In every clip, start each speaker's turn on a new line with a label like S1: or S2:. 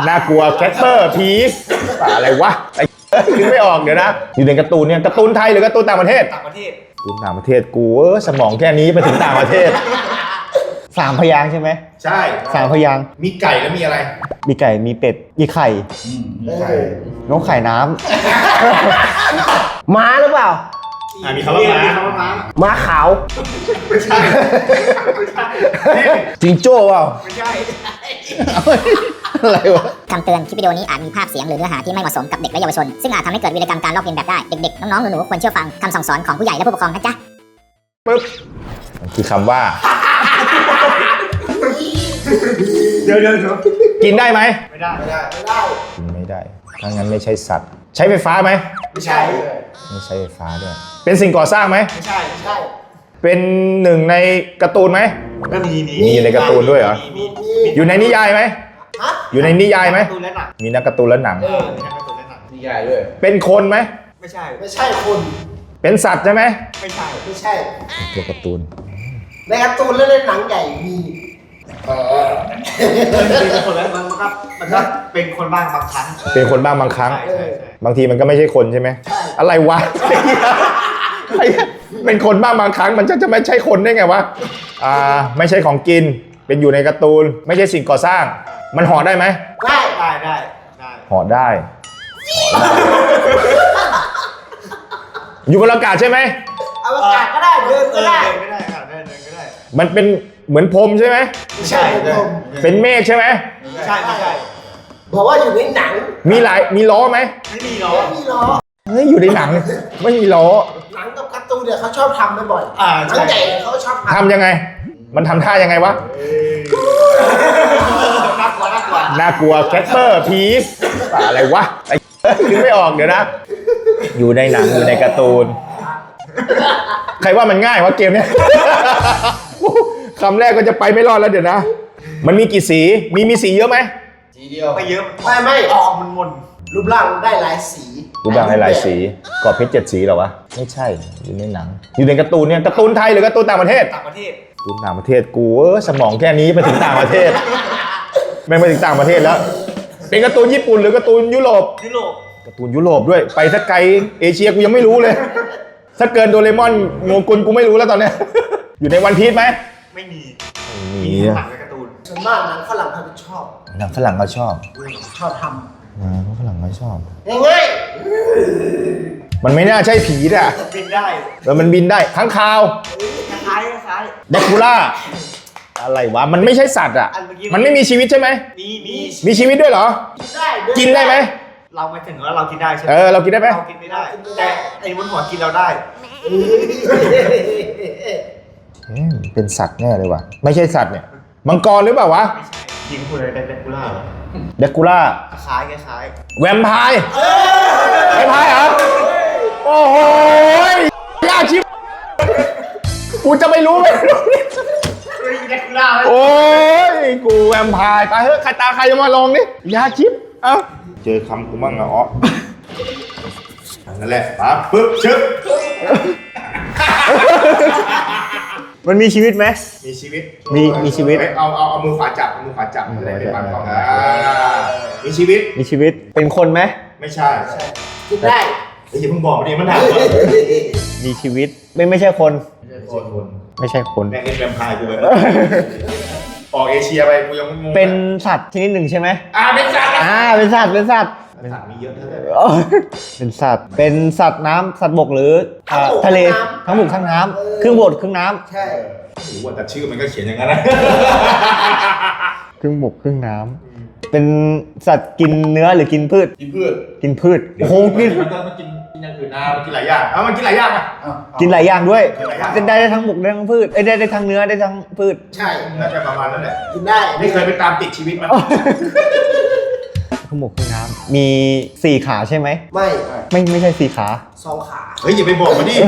S1: น่ากลัวแคสเปอร์ผีอะไรวะไอ้คิดไม่ออกเดี๋ยวนะอยู่ในการ์ตูนเนี่ยการ์ตูนไทยหรือการ์ตูนต่างประเทศ
S2: ต่างประเทศ
S1: การ์ตูนต่างประเทศกูสมองแค่นี้ไปถึงต่างประเทศ
S3: 3 พยางค์ใช่ไหม
S1: ใช่
S3: 3 พยางค์
S1: มีไก่แล้วมีอะไร
S3: มีไก่มีเป็ดมีไข่
S1: ไก่
S3: นกไข่น้ำ
S4: ม้าหรือเปล่า
S1: มีคำว่าม้า
S4: ม้าขาว
S1: ไม่ใช่
S3: จิงโจ้เปล่า
S2: ไม่ใช่
S3: อะไรวะ
S5: คำเตือน คลิปวิดีโอนี้อาจมีภาพเสียงหรือเนื้อหาที่ไม่เหมาะสมกับเด็กและเยาวชน ซึ่งอาจทำให้เกิดวีรกรรมการลอกเลียนแบบได้ เด็กๆ น้องๆ หนูๆ ควรเชื่อฟังคำสั่งสอนของผู้ใหญ่และผู้ปกครองนะจ๊ะ
S1: ปึ๊บมันคือคำว่า
S2: เดี๋ยว
S1: กินได้ไหม
S2: ไม่ได้
S1: กินไม่ได้ถ้างั้นไม่ใช่สัตว์ ใช้ไฟฟ้าไหม
S2: ไม่ใช่
S1: ไม่ใช้ไฟฟ้าด้วยเป็นสิ่งก่อสร้างไหม
S2: ไม่ใช่
S1: เป็นหนึ่งในการ์ตูนไหม
S2: ก็มี
S1: มีในการ์ตูนด้วยเหรอ
S2: มี
S1: อยู่ในนิยายไหมอยู่ในนิยายไหม
S2: การ์ตูนและหนัง
S1: มีนักการ์ตูนและหนัง
S2: มีทั้งการ์ตูนและหนัง
S4: นิยายด้วย
S1: เป็นคนไหม
S2: ไม่ใช่
S4: ไม่ใช่คน
S1: เป็นสัตว์ใช่ไหม
S2: ไม่ใช่
S4: ไม่ใช่
S1: ตัวการ์ตูน
S4: ในการ์ตูนและในหนังใหญ่มี
S2: เป็นคนแล้วมันก็เป็นคนบ้างบางครั้ง
S1: เป็นคนบ้างบางครั้ง
S2: ใช่
S1: บางทีมันก็ไม่ใช่คนใช่ไหมอะไรวะ เป็นคนบ้างบางครั้งมันจะไม่ใช่คนได้ไงวะไม่ใช่ของกินเป็นอยู่ในการ์ตูนไม่ใช่สิ่งก่อสร้าง มันห่อได้ไหม
S4: ได้
S2: ได้
S1: ห่อได้อยู่บนอากาศใช่ไหม
S4: อวกาศก็ได้เดินก็ได้
S2: เดินก็ได้เดินก็ได้
S1: มันเป็นเหมือนพรมใช่ไหม
S4: ไม่ใช่ผม
S1: เป็นเมฆใช่ไหม
S2: ไม่ใช่
S4: บอกว่าอยู่ในหนัง
S1: มีล้อไหม
S2: ไม่มีหรอ
S4: ไม่มีล้อ
S1: เฮ้ยอยู่ในหนังไม่มีล้อ
S4: หนังกับการ์ตูนเนี่ยเขาชอบทำบ่อยๆหนัง
S2: ใช่
S4: ใหญ่เขาชอบท
S1: ทำยังไง มันทำท่ายังไงวะ
S2: น่ากลัว
S1: น่ากลัวแคสเปอร์ผีอะไรวะไอ้คิดไม่ออกเดี๋ยวนะ อยู่ในหนังอยู่ในการ์ตูน ใครว่ามันง่ายวะเกมเนี้ย คำแรกก็จะไปไม่รอดแล้วเดี๋ยวนะ มันมีกี่สีมีสีเยอะไหม
S4: สีเดียว
S2: ไม่เยอะ
S4: ไม่
S2: ออกมัน
S4: รูปร่างได้หลายสี
S1: รูปร่างหลายสีกรอบเพชร7 สีเหรอวะไม่ใช่อยู่ในหนัง อยู่ในการ์ตูนเนี่ยการ์ตูนไทยหรือการ์ตูนต่างประเทศ
S2: ต่างประเทศ
S1: การ์ตูนต่างประเทศกูสมองแค่นี้ไปถึงต่างประเทศแม่งไปถึงต่างประเทศแล้ว เป็นการ์ตูนญี่ปุ่นหรือการ์ตูนยุโรป
S2: ยุโรป
S1: การ์ตูนยุโรปด้วยไปสักไกลเอเชียกูยังไม่รู้เลย ถ้าเกินโดเรมอนโงกุลกูไม่รู้แล้วตอนเนี้ย อยู่ในวันพีซไหม
S2: ไม่มี
S1: มี
S2: หนังและการ์ตูน
S4: ส่วนมากหนังฝรั่งเขาจะชอบ
S1: หนังฝรั่งก็ชอบ
S4: ชอบท
S1: หนังฝรั่งก็ชอบ
S4: ำง่าย
S1: มันไม่น่าใช่ผีอ่ะ
S2: บินได้
S1: แล้วมันบินได้ค้างคาว
S2: คล้าย
S1: แดกคูล่าอะไรวะมันไม่ใช่สัตว์อ่ะ
S2: อันเมื่อกี้
S1: มันไม่มีชีวิตใช่ไหม
S2: มี
S1: มีชีวิตด้วยเหรอ
S4: ๆได้เ
S1: กินได้ไหม
S2: เราไม่ถึงว่าเรากินได้ใช่ไหม
S1: เรากินได้ไหม
S2: เรากินไม่ได้ แต่ไอ้บนหัวกินเราได้
S1: เป็นสัตว์แน่เลยว่ะไม่ใช่สัตว์เนี่ยมังกรหรือเปล่าวะ
S2: ไม่ใช่กินคุณอะไรเป็นกุล่าเหรอ
S1: แดกคูล่า
S2: คล้าย
S1: แวมไพร์แวมไพร์เหรอโอ้โหยากชิบกูจะไม่รู้ไหม
S2: แดกกุล่า
S1: โอ้ยกูแวมไพร์ไปเฮ้ยใครตาใครจะมาลองนี่ยาชิปเอ้าเจอคำกูมั่งเหรอนั่นแหละปั๊บปึ๊บชึบ
S3: มันมีชีวิตไหม
S1: มีชีวิต
S3: มีชีวิต
S1: เอามือขวาจับมือขวาจับอะไรเป็นปันกล้องมีชีวิต
S3: มีชีวิตเป็นคนไหม
S1: ไม่ใช่
S4: กินได้
S1: ไอ้ที่เพิ่งบอกมาดิมันถามว่า
S3: มีชีวิตไม่ใช่คน
S1: คน
S3: ไม่ใช่คน
S1: แม่งเล่นแวมไพร์กูเลยออกเอเชียไปกูยังงง
S3: เป็นสัตว์ชนิดหนึ่งใช่ไหม
S1: เป็นสัตว์
S3: เป็นสัตว์เป็นสัตว์
S1: สัตว์มีเยอะเท่าไหร่
S3: เป็นสัตว์เป็นสัตว์น้ำสัตว์บกหรือทะเลทั้งบกทั้งน้ำครึ่งบกครึ่งน้ำ
S4: ใช่
S1: รู้ว่าแต่ชื่อมันก็เขียนอย่างนั้นนะ
S3: ครึ่งบกครึ่งน้ำเป็นสัตว์กินเนื้อหรือกินพืช
S1: กินพืช
S3: กินพืชโอ้โหกิน
S1: มันกินอย่างอื่นนะมันกินหลายอย่างมันกินหลายอย่างอ่ะ
S3: กินหลายอย่างด้วย
S1: กินหลายอย่าง
S3: จะได้ทั้งบกได้ทั้งพืชได้ทั้งเนื้อได้ทั้งพืช
S4: ใช่
S1: น่าจะประมาณนั้นแหละ
S4: กินได้
S1: ไม่เคยไปตามติดชีวิตมัน
S3: ทั้งบกทั้งน้ำมี4 ขาใช่ไหม
S4: ไม่
S3: ใช่4 ขา
S4: 2 ขา
S1: เฮ้ยอย่าไปบอกมันดิ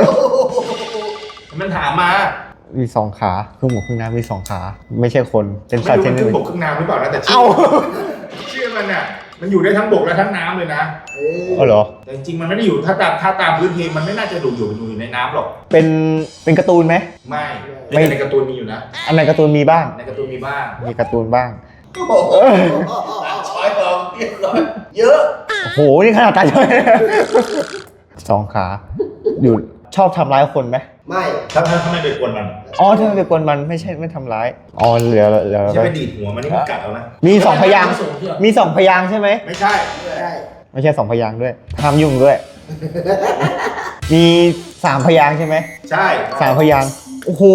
S1: มันถามมา
S3: มี2 ขาครึ่งบกครึ่งน้ำมี2 ขา ไม่ใช่คนเป็น
S1: ไม่
S3: สัตว์
S1: รู้
S3: ช
S1: มัน
S3: นิด
S1: ครึ่
S3: ห
S1: ง
S3: นึ่
S1: บ
S3: ง
S1: กครึ่งน้ำหรือเปล่านะแต่ชื่
S3: เอ้า
S1: ชื่อมันอ่ะมันอยู่ได้ทั้งบกและทั้งน้ำเลยนะ
S3: เอาเหรอ
S1: แต่จริงๆมันไม่ได้อยู่ถ้าตามพื้นเพมันไม่น่าจะอยู่ในน้ำหรอก
S3: เป็นการ์ตูนไหม
S1: ไม่ในการ์ตูนมีอยู่นะ
S3: อันไหนการ์ตูนมีบ้าง
S1: ในการ์ตูนมีบ้าง
S3: มีการ์ตูนบ้าง
S4: โอ้โห
S2: อยออกเรียบร้อยเยอะ
S3: โอ้โห นี่ขนาดตาช่วยสองขา อยู่ชอบทำร้ายคนไหม
S4: ไม่
S1: ถ้าไม่ไปกวนมัน
S3: อ๋อถ้าไม่ไปกวนมันไม่ใช่ไม่ทำร้าย อ๋อเหลือ
S1: ไม่ใช่ไปดีดหัวมันนี่มันกัดเอานะ
S3: มีสองพยางค์มีสองพยางค์ใช่ไหม
S1: ไม่ใช่
S4: ได้
S3: ไม่ใช่สองพยางค์ด้วยห้ามยุ่งด้วย มีสามพยางค์ใช่ไหม
S1: ใช่
S3: สามพยางค์โอ้โห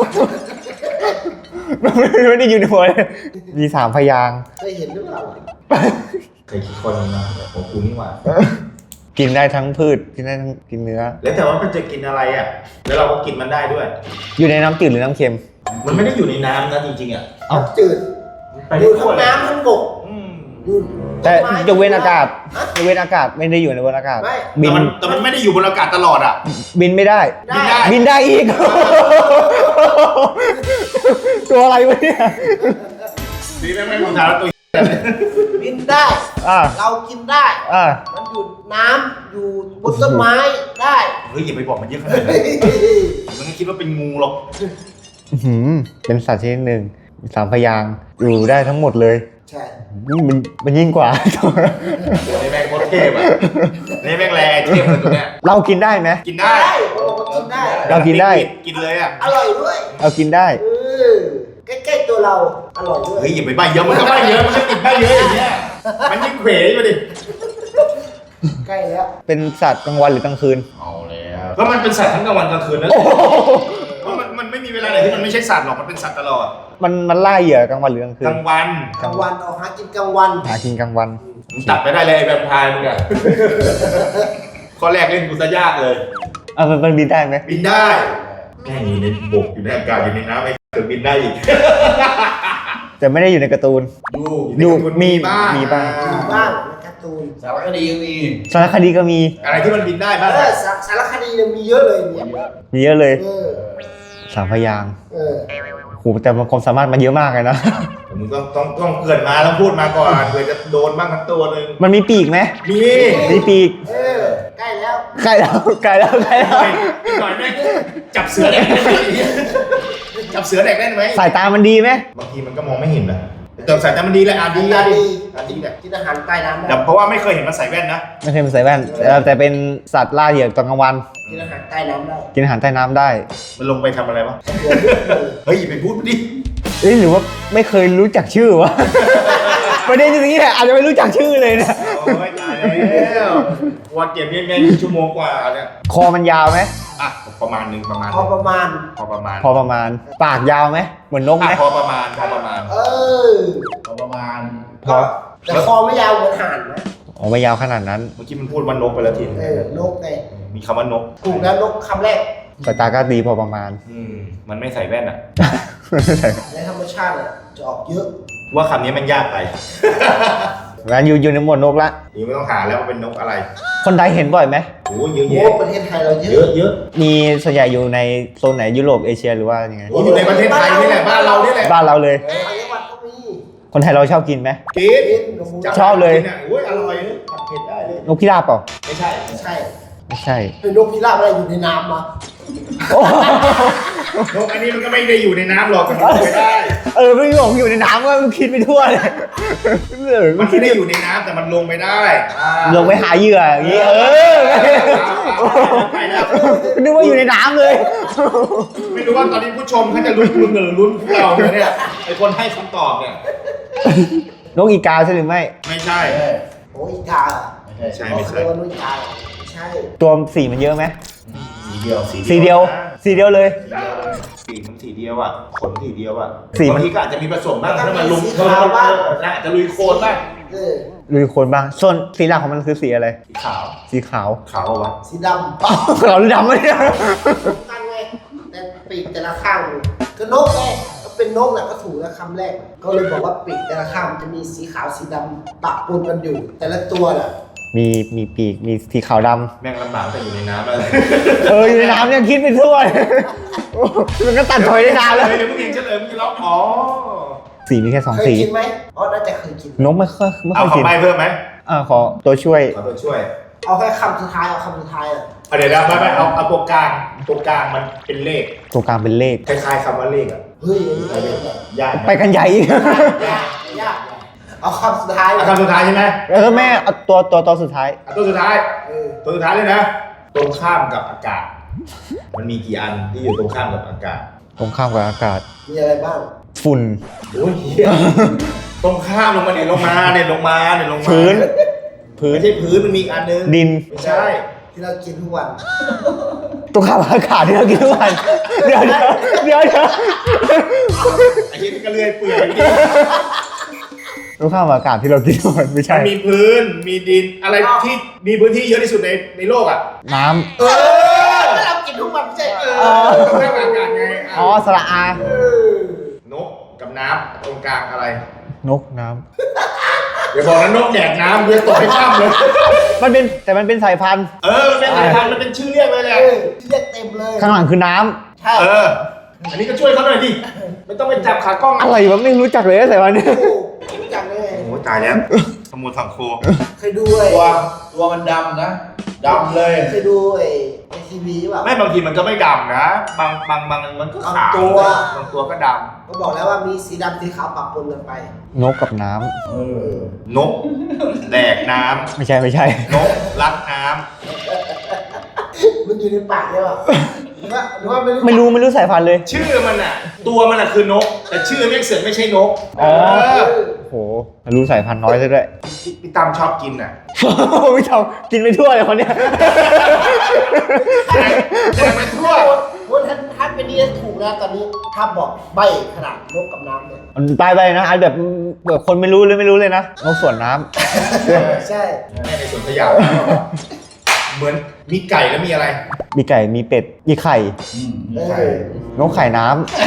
S3: ไม่ได้อยู่ในหัวเลยมีสามพยางค์
S4: เคยเห็นหรือเปล่า
S1: เคยคิดคนนึงนะของกูนี่หว่า
S3: กินได้ทั้งพืชกินได้ทั้งกินเนื้อ
S1: แล้วแต่ว่ามันจะกินอะไรอ่ะ แล้วเราก็กินมันได้ด้วย
S3: อยู่ในน้ำจืดหรือน้ำเค็ม
S1: มันไม่ได้อยู่ในน้ำนะจริงๆอ่ะ
S3: เอ้า
S4: จืด
S1: ไป
S4: อ
S1: ได้
S4: ยู่
S1: ทั่
S4: ทั้
S1: ว
S4: ง
S1: เลย
S4: น้ำทั้งบก
S1: อืม
S4: อยู่
S3: แต่
S4: ต้นไม้
S3: ยกเว้นอากาศยกเว้นอากาศไม่ได้อยู่ในบนอากาศ
S4: ไม่
S3: บิน
S1: แต่มันไม่ได้อยู่บนอากาศตลอดอ่ะ
S3: บินไม่ได้
S4: ได้
S1: ได้
S3: บินได้อีก ตัวอะไรวะเนี่ย
S1: นี่แม่งไม่รู้ทางแล้วตัว
S4: บินได้
S3: อ่า
S4: เรากินได้
S3: อ่า
S4: มันอยู่น้ำอยู่บนต้นไม้ได้
S1: เฮ้ยอย่าไปบอกมันเยอะขนาดนั้นมันก็คิดว่าเป็นงูหรอก
S3: อื้อหือเป็นสัตว์ชนิดหนึ่งมีสามพยางค์อยู่ได้ทั้งหมดเลย
S4: ใช่
S3: มันยิ่งกว่า
S1: นี่แม่งโคตรเทพอ่ะนี่แม่งแรงเทพเลยตัวเนี้ย
S3: เรากินได้ไหม
S1: กินได้
S4: กินได้
S3: เรากินได้
S1: กินเลยอ่ะ
S4: อร่อยด้วย
S3: เรากินได้
S4: ใกล้ๆตัวเราอร่อยด้วย
S1: เฮ้ยอย่าไปใบเยอะมันก็ใบเยอะมันก็ติดใบเยอะอย่างเงี้ยมันยิ่งเขวอยู่ดิ
S4: ใกล้แล้ว
S3: เป็นสัตว์กลางวันหรือกลางคืน
S1: เอาแล้วก็มันเป็นสัตว์ทั้งกลางวันกลางคืนนั่นแหละเพราะมันไม่มีเวลาไหนที่มันไม่ใช่สัตว์หรอกมันเป็นสัตว์ตลอด
S3: มันล่าเหยื่อกลางวันหรือกลางคื
S1: ก
S3: น
S1: ลางวัน
S4: กลางวันออกหากินกลางวัน
S3: หากินกลางวัน
S1: มึงตัดไปได้เลยไอ้แวมไพร์มึงอะข้อแรกเล่นกูซะยากเลย
S3: มันบินได้ไหม
S1: บินได้แม่งอยู่ในบกอยู่ในอากาศอยู่ในน้ำไอ้เกิดบินได้อีก
S3: แต่ไม่ได้อยู่ในการ์ตูน
S1: อยู่ในการ์ตูนมีบ้าง
S3: มีบ้าง
S4: มีบ้างในการ์ตูน
S2: สารคดีก็มี
S3: สารคดีก็มี
S1: อะไรที่มันบินได้บ้างอะ
S4: สารคดีเนี่ยมีเยอะเลยเนี่ย
S3: มีเยอะเลย
S4: เออ
S3: สามพยางค์
S4: เออ
S3: โหแต่มันความสามารถมันเยอะมากเลยนะ
S1: มึงต้องเกิดมาแล้วพูดมาก่อนเผื่อจะโดนบ้างทั้งตัวหนึง
S3: มันมีปีกไหม
S1: มี
S3: มีปีก
S4: เออใกล้แล้ว
S3: ใกล้แล้วใกล้แล้วใกล้แล้ว
S1: อีกหน่อยแม่งจับเสือแดกได้ไหมจับเสือแดกได้ไหม
S3: สายตามันดีไหม
S1: บางทีมันก็มองไม่เห็นนะแต่สายตามันดีแหละดี
S4: ตาดี
S1: ดีแหละ
S4: กินอาหารใต้น้ำได้
S1: แต่เพราะว่าไม่เคยเห็นมันใส่แว่นนะ
S3: ไม่ใช่เป็นสายแว่นแต่เป็นสัตว์ล่าเหยื่อตอนกลางวัน
S4: กินอาหารใต้น้ำได้
S3: กินอาหารใต้น้ำได้
S1: มันลงไปทำอะไรวะ
S4: เดี๋ยวนิดหนึ่ง
S1: เฮ้ยอย่าไปพูดดิ
S3: เอ้ยหรือว่าไม่เคยรู้จักชื่อวะ ประเด็นอย่างนี้แหละอาจจะไม่รู้จักชื่อเลยนะ
S1: โอ้ยตายแล้ววันเกมนี้แม่งชั่วโมงกว่าเนี่ย
S3: คอมันยาวไหม
S1: อ่ะประมาณหนึ่งประมาณ
S4: พอประมาณ
S1: พอประมาณ
S3: พอประมาณ ปากยาวไหมเหมือนนกไหม
S1: พอประมาณพอประมาณ
S4: เออ
S2: พอประมาณ
S3: พอ
S4: แต่คอไม่ยาวเหมือนห่านนะ
S3: อ๋อไม่ยาวขนาดนั้น
S1: เมื่อกี้มันพูดว่านกไปแล้วทีนึง
S4: เออนกไง
S1: มีคำว่านก
S4: ถูกแล้วนกคำแรก
S3: สายตาก็ดีพอประมาณ
S1: มันไม่ใส่แว่นอ่ะ
S4: ในธรรมชาติอะจะออกเยอะ
S1: ว่าคำนี้มันยากไป
S3: งั้นอยู่ในหมวดนกละ
S1: นี่ไม่ต้องหาแล้วว่าเป็นนกอะไร
S3: คนไทยเห็นบ่อยไหม
S1: โอ้เยอะ
S4: โอ้
S1: แยะ
S4: ประเทศไทยเราเย
S1: เย
S4: อะ
S1: อะเยอะ
S3: มีส่วนใหญ่อยู่ในโซนไหนยุโรปเอเชียหรือว่ายังไง
S1: โอ้อยู่ในประเทศไทยนี่แหละบ้านเรานี่แหละ
S3: บ้านเราเลย
S4: ต่างจังหวัดก็มี
S3: คนไทยเราชอบกินไหม
S1: กิน
S4: กินหนู
S3: ชอบเลย
S1: กินอ่ะโอ้ยอร่อยเลยผัดเผ็ดได้เลย
S3: นกพิราบเปล่า
S1: ไม่ใช่
S4: ไม่ใช่
S3: ไม่ใช่
S4: เป็นนกพิราบอะไรอยู่ในน้ำมา
S3: โอ้
S1: นกอันนี้มันก็ไม่ได้อยู่ในน้ำหรอกมันลงไปได้
S3: ไม่บอกอยู่ในน้ำก็มันคิดไปทั่วเลย
S1: มันไม่ได้อยู่ในน้ำแต่มันลงไปได้
S3: ลงไปหาเหยื่ออย่างนี้
S1: ไปแล้ว
S3: นึกว่าอยู่ในน้ำเลย
S1: ไม่รู้ว่าตอนนี้ผู้ชมเขาจะลุ้นหรือลุ้นพวกเราเนี่ยไอคนให้คำตอบเนี่ย
S3: นกอีกาใช่หรือไม่
S1: ไม่ใช่
S4: โอ้ยอีกา
S1: ไม่ใช่
S4: เขา
S1: ไม่
S4: เค
S1: ใช่
S4: ยว่านกอีกาไม่ใช่
S3: ตัวสีมันเยอะไหม
S1: สีเดียว
S3: สีเดียวสีเดียวเลย
S1: สีมันสีเดียวอ่ะขนสีเดียวอ่ะ
S3: สีมัน
S1: บางทีก็อาจจะมีผสมบ้างถ้ามันลุมเพิ่มอาจจะลุยโคลนบ้าง
S4: เออ
S3: ลุยโคลนบ้างส่วนสีหลักของมันคือสีอะไร
S1: สีขาว
S3: สีขาว
S1: ขาวเอาวะ
S4: สีดำ
S3: ขาวหรือดำวะเนี่ย
S4: กันไงแต่ปีกแต่ละข้างก็นกไงก็เป็นนกแหละก็ถูกแล้วคำแรก ก็เลยบอกว่าปีกแต่ละข้างมันจะมีสีขาวสีดำปะปนกันอยู่ แต่ละตัวแหละ
S3: มีปีกมีสีขาวด
S1: แม่งลำบากแต่อยู่ในน้ำอะไร
S3: ำอยู่ในน้ำเนี่ยคิดไปทั่วเลยมันก็ตัดถอยได้นานแล้ว
S1: เดี๋ยวมึงเองเฉลยมึงจะร้องอ๋อ
S3: สีมีแค่สอง
S4: เคย
S3: สี
S4: กินไหมอ๋อน่าจะเคยกิน
S3: นกไม่ค่อย
S1: เอา
S3: กิน
S1: คำใบ้เพิ่มไหม
S3: ขอตัวช่วย
S1: ขอตัวช่วย
S4: เอาแค่คำสุดท้ายเอาคำสุดท้ายอ่ะ
S1: เดี๋ยวไม่เอาตัวกลางมันเป็นเลข
S3: ตัวกลางเป็นเลข
S1: คล้ายๆคำว่าเลขอ่ะ
S4: เฮ้ยอันนี้ไม่ได้
S1: ยากไหม
S3: ไปกันใหญ่อีก
S4: ยากเอาคำสุดท้าย
S1: คำสุดท้ายใช่ไหม
S3: แม่เอาตัวสุดท้าย
S1: ตัวสุดท้าย
S4: เออ
S1: ตัวสุดท้ายเลยนะ ตรงข้ามกับอากาศ มันมีกี่อันที่อยู่ตรงข้ามกับอากาศ
S3: ตรงข้ามกับอากาศ
S4: มีอะไรบ้าง
S3: ฝุ่น
S1: โอ้ยเหี้ยตรงข้ามลงมาเนี่ยลงมา
S3: พื้น
S1: ไม่ใช่พื้นมันมีอีกอันนึง
S3: ดิน
S1: ไม่ใช่
S4: ที่เรากินทุกวัน
S3: ตรงข้ามกับอากาศที่เรากินทุกวันเดี๋ยว
S1: ไอ้ที่ก็เลื่อยเปื่อยอยู่ดิ
S3: ตรงข้ามกับอากาศที่เรากินทุกวันไม่ใช่
S1: มันมีพื้นมีดินอะไรที่มีพื้นที่เยอะที่สุดในโลกอ่ะ
S3: น้
S1: เออ
S4: เรากินทุกวันไม่ใช่
S1: ตรงข้ามกับอากาศไง
S3: ำอ๋อสระอาน
S1: กกับน้ำตรงกลางอะไร
S3: นกน้
S1: อย่าบอกนะนกแดกน้ำเดี๋ยวตกให้ข้ามเลย
S3: ำมันเป็นสายพันธุ์
S1: มันเป็นสายพันธุ์มันเป็นชื่อเรียกเลยแหละ
S4: เรียกเต็มเลย
S3: ข้างหลังคือน้
S4: ใช่
S1: อันนี้ก็ช่วยเขาหน่อยดิไม่ต้องไปจับขากล้อง
S3: ำอะไรวะไม่รู้จักเลยสายพันธุ์เนี่ย
S4: รู้จักเลย
S1: โอ้ตายแล้วขโมยสังโค
S4: เคยดูไอ้
S2: ตัวมันดำนะดำเลย
S4: เคยดูไอ้ทีวีป่ะ
S1: ไม่บางทีมันก็ไม่ดำนะบางมันก็ขาว
S4: ตัว
S1: บางตัวก็ด
S4: ก็บอกแล้วว่ามีสีดำสีขาวปะปนกันไป
S3: นกกับน้
S1: ำนกแดกน้
S3: ำไม่ใช่
S1: ำนกรักน้
S4: มันอยู่ในปากเลยป่ะหรือว่าไม่รู้
S3: ไม่รู้สายพันธุ์เลย
S1: ำชื่อมันอ่ะ ตัวมันอ่ะคือนก แต่ชื่อแม่งเสือกไม่ใช่นก
S3: อ๋อ โหรู้สายพันธุ์น้อยซะด้วย
S1: พี่ตั้มชอบกินอ่ะ
S3: ไม่ทำกินไปทั่วเลยคนเนี้ย
S1: แดกไปทั่ว
S4: โอ้ท่านเป็นนี่ถูกแล้วตอนนี้ถ้าบอกใบขนาดนกกับน้ำเนี่ย
S3: มันไปนะอันแบบคนไม่รู้เลยนะนกสวนน้
S4: ใช่
S1: แม่ในสวนสยามเหมือนมีไก่แล้วมีอะไร
S3: ำมีไก่มีเป็ดมีไข่
S4: เออน
S3: กไข่น้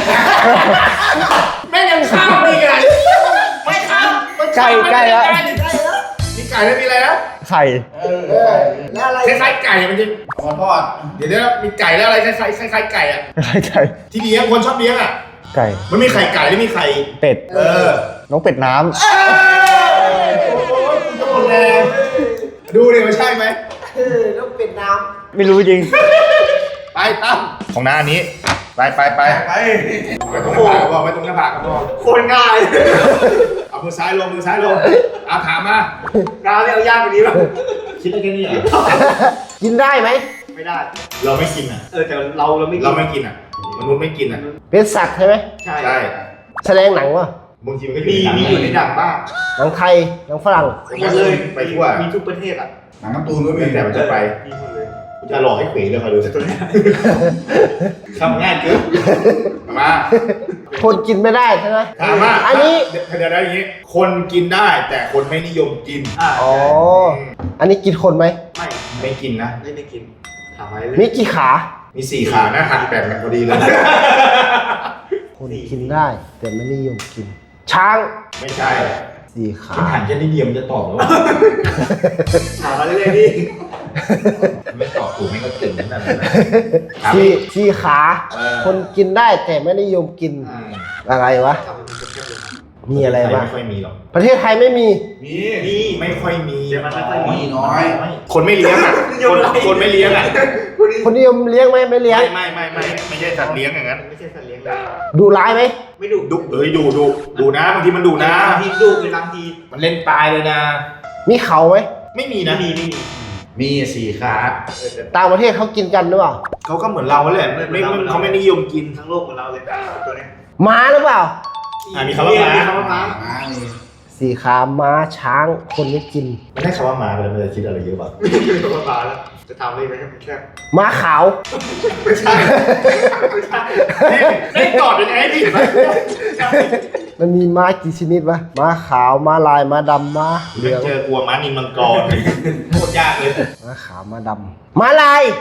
S1: แม่งยังข้ามมีไงไม่ข้าม
S3: ำใกล้แล้ว
S1: มีไก่แล้วมีอะไรนะ
S3: ไข่
S4: แล้วอะไร
S1: คล้ายๆไก่อะมันจะ
S2: เอามาทอด
S1: เดี๋ยวมีไก่แล้วอะไรคล้ายๆไก่อ่ะ
S3: ไก่
S1: ที่เลี้ยงคนชอบเลี้ยงอ่ะ
S3: ไก่
S1: มันมีไข่ไก่แล้วมีไข่
S3: เป็ด นกเป็ดน้
S1: โอ้ยคุณจะหมดแรงดูดิว่าใช่ไหม
S4: นกเป็ดน้
S3: ำไม่รู้จริง
S1: ไปตั้มของน้าอันนี้ ไปไปตรงหน้าผากก็พอไปตรงหน้าผากก็พอ
S2: โคตรง่าย
S1: เอามือซ้ายลงเอาถามมา
S2: ดาวเนี่ยเอายากกว่านี้ป่ะ
S1: คิดได้แค่นี้เหรอ
S4: ำกินได้ไหม
S2: ไม่ได้
S1: เราไม่กินอ่ะ
S2: แต่เราไม่กิน
S1: เราไม่กินอ่ะมนุษย์ไม่กินอ่ะ
S4: เป็นสัตว์ใช่ไหม
S2: ใช่
S1: ใช่
S4: แสดงหนังวะ
S1: บางทีมันก็
S2: มีอยู่ในหนังบ้าง
S4: หนังไทยหนังฝรั่ง
S2: หมดเลย
S1: ไปทั่ว
S2: มีทุกประเทศอ่ะ
S1: หนังการ์ตูนก็มีแต่มันจะไป
S2: มีหมดเลย
S1: จะหลอกให้เขวเลยคอยดูตัวนี้ทำง่ายเกินมา
S4: คนกินไม่ได้ใช่ไหม
S1: ถามว่า
S4: อันนี้
S1: เดี๋ยวอย่างนี้ คนกินได้แต่คนไม่นิยมกิน
S4: อ๋อ อันนี้กินคนไหม
S1: ไม่กินนะ
S2: ไม่กินถามไว้
S4: มีกี่ขา
S1: มี4 ขานะหักแบ่งกันพอดีเลย
S4: คนกินได้แต่ไม่นิยมกิน ช้าง
S1: ไม่ใช่
S4: 4 ขา
S1: มันหันแค่นิดเดียวมันจะตอบแล้ว
S2: ถามมาเรื่อยๆดิ
S1: ไม่ตอบถูกไม่ก็เก่งนั่นแหละ
S4: สี่ขา คนกินได้แต่ไม่นิยมกิน อะไรวะ มีอะไรบ้าง
S1: ไม่ค่อยมีหรอก
S4: ประเทศไทยไม่มี
S1: มีไม่ค่อยมี
S2: แต่มันไม่ค่อยมี
S1: น้อย คนไม่เลี้ยงอ่ะคนไม่เลี้ยงอ่ะ
S4: คนนิยมเลี้ยงไหมไม่เลี้ยง
S1: ไม่ใช่สัตว์เลี้ยงอย่างนั้น
S2: ไม่ใช่สัตว์เลี้ยงเลย
S4: ดูร้ายไหม
S2: ไม่ดุ
S1: ดูนะบางทีมันดูนะ
S2: บางทีดุเป็นบางที
S1: มันเล่นตายเลยนะ
S4: มีเขาไหม
S1: ไม่มีนะ
S2: ไม่มี
S1: มี4 ขา
S4: ต่างประเทศเขากินกันหรือเปล่า
S1: เขาก็เหมือนเราแหละไม่เขาไม่นิยมกิน
S2: ทั้งโลกของเราเลยตัวเนี้ย
S4: ม้าหรือเปล่า
S1: มีคำว่าม้า
S2: คำว่าม้า
S4: สี่ขาม้าช้างคนไม่กิน
S1: ไม่ได้คำว่าม้าไปแล้วมันจะคิดอะไรเยอะป่ะ
S2: คำว่าม้าแล้วจะทำอะไรไหมครับแค่
S4: ม้าขาว
S2: ไม่ใช่ไม่ใช่
S1: ไม่ตอบยังไงพี่
S4: มันมีม้ากี่ชนิดวะม้าขาวม้าลายม้าดำม้าเหลือง
S1: เจอกลัวม้านินมังกรโคตรยากเลย
S4: ม้าขาวม้าดำม้าลาย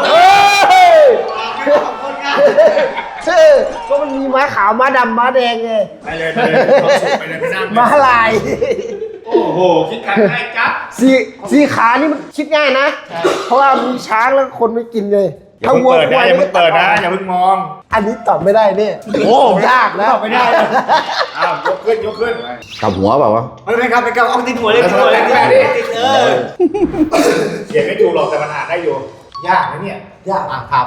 S4: ก็มันมีม้าขาวม้าดำม้าแดงไง
S1: ไปเลยไปเลยไปนั่ง
S4: ม้าลาย
S1: โอ้โหคิดกันง่ายจับ
S4: สี่ขานี่มันคิดง่ายนะ เพราะว่ามีช้างแล้วคนไม่กินเลย
S1: อย่าเพิ่งเปิดนะอย่าเพิ่งเปิดนะอย่าเพิ่งมอง
S4: อันนี้ตอบไม่ได้เนี่ยโอ้ยากนะ
S1: ไม่ได้อ้าวยกขึ้น
S6: กลับหัวเปล่าวะ
S2: ไม่ครับเอาติดหัวเลยติดหัวเลยติด
S1: เขียนไม่ถูกหรอกแต่มันอ่านได้อยู่ยากนะเนี่ย
S4: ยากถามมา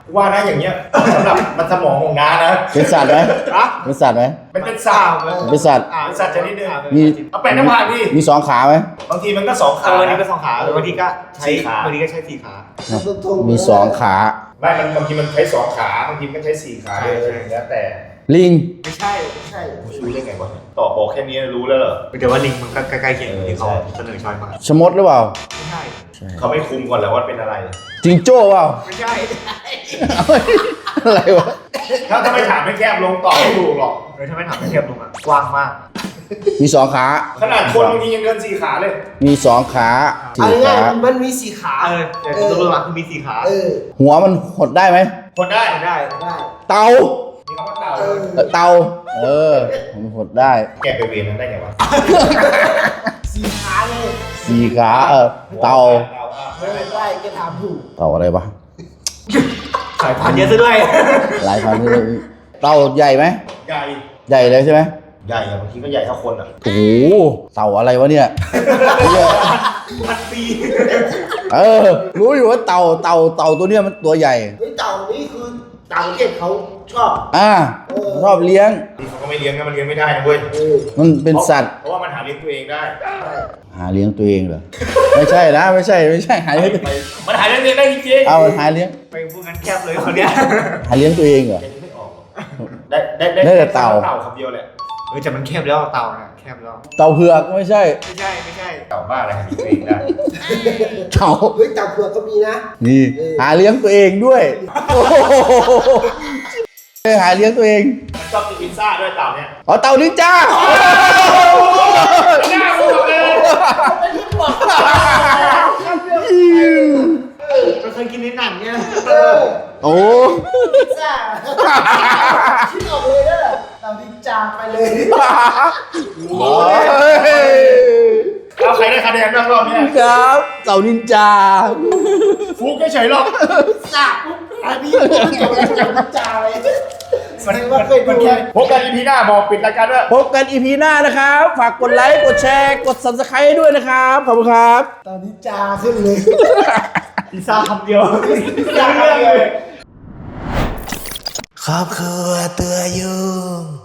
S1: ว่านะอย่างเงี้ยสำหรับมันสมองของน้านะ
S3: เป็นสัตว์ไหมเป็นสัตว์ไหม
S1: มันเป็นสัตว์
S3: เป็นสัตว์
S1: เป็นสัตว์ชนิดหนึง
S3: มี
S1: เอาไปน้ำผ่านดิ
S3: มีสองขาไหม
S1: บางทีมันก็สองขา
S2: วันนี้ก็2 ขาบางทีก็ใช้
S1: 4 ขา
S2: บางทีก็ใช้4 ขา
S3: มีสองขา
S1: ไม่มันบางทีมันใช้2 ขาบางทีมันก็ใช้4 ขาเลยแล้วแต่
S3: ลิง
S2: ไม่ใช่
S4: ใช่
S1: รู้ได้ไงวะตอบบอกแค่นี้รู้แล้วเหรอ
S2: แต่ว่าลิงมันก็ใกล้ๆเคียงกับที่เขาเสนอช้อยมา
S3: ชะมดหรือเปล่า
S2: ไม่ใช่
S1: เขาไม่คุมก่อนแล้วว่าเป็นอะไร
S3: จิงโจ้เปล่า
S2: ไม่ใช่
S3: อะไรวะ
S1: ถ้าไม่ถามไม่แคบลงตอบไม่ถูกหรอก
S2: ถ้าไม่ถามไม่เทียบลงอ่ะกว้างมาก
S3: มีสองขา
S1: ขนาดคนบางทียังเดิน4 ขาเลย
S3: มีสองขา
S4: เอา
S3: สี่
S4: ง่าย
S3: ขา
S4: ๆมันมีสีขา
S2: แต่ตัวหลักคือมี4 ขา
S3: หัวมันหดได้ไหม
S1: คนได้
S2: ได้
S4: ได้
S3: เตา
S1: มีคำว่าเต่า
S3: เตามันหดได้
S1: แกไปเวรนั้นได้ไงวะ
S4: สีขาเลย
S3: สี่ขาเตา
S4: ได้แกถามถูก
S3: เตาอะไรวะ
S2: สายพันธุ์เยอะซะด้วย
S3: หลายพันเลยเตาใหญ่ไหม
S1: ใหญ่
S3: ใหญ่เลยใช่ไหม
S1: ใหญ่อะบางทีก็ใหญ่เท่าคนอะ
S3: โอ้โหเต่าอะไรวะเนี่ย
S2: พันปี
S3: รู้อยู่ว่าเต่าตัวเนี้ยมันตัวใหญ่
S4: เฮ้ยเต่านี่คือต่างประเทศเขาชอบ
S3: ชอบเลี้ยง
S1: นี่เขาก็ไม่เลี้ยงนะมันเลี้ยงไม่ได้นะเว้ย
S3: มันเป็นสัตว์
S1: เพราะว่ามันหาเลี้ยงตัวเองได้
S3: หาเลี้ยงตัวเองเหรอ ไม่ใช่นะไม่ใช่หาเลี้ยงตัวเอง
S1: มันหาเลี้ยงตัวเองได้จริงๆ
S3: เอาหาเลี้ยง
S2: ไปพูดงั้นแคบเลยคนเนี้ย
S3: หาเลี้ยงตัวเองเหรอ
S1: แกนึกไม่ออกหรอกได้
S3: ได้แต่เต่า
S1: เต่าคำเดียวแหละ
S2: แต่มันแคบแล้วเต่านะแคบแล้ว
S3: เต่าเผือกไม่ใช่
S2: ไม่ใช่
S1: เต่าบ้าอะไรหาเลี้ยงตัวเองได้
S3: เต่า
S4: เฮ้ยเต่าเผือกก็มีนะ
S3: นี่หาเลี้ยงตัวเองด้วยโอ้โหหาเลี้ยงตัวเอง
S1: มันชอบกินพิซซ่าด้วยเต่าเนี่ย
S3: อ๋อเต่านินจา
S1: น่าพูดเลย
S2: เราเคยกินในหนังเนี่ย
S3: โอ้
S4: พิซซ่าคิดออกเลยนะเต่าดินจาไปเลย
S1: เอาใครได้คะแนนบ้างรอบเนี้ย
S3: ครับเต่านินจา
S1: ฟุกเฉยๆหรอก
S4: พิซซ่าปุ๊บอันนี้จบแล้วจากดินจาเลยแสดงว่าเคยดู
S1: พบกันอีพีหน้าบอกปิดรายการด้วย
S3: พบกันอีพีหน้านะครับ ฝากกดไลค์ กดแชร์ กด subscribe ด้วยนะครับ ขอบคุณครับ
S4: เต่าดินจาขึ้นเลย
S2: พิซซ่าคำเดียว
S1: อยากเลย
S4: ครอบครัวตัวยุ่ง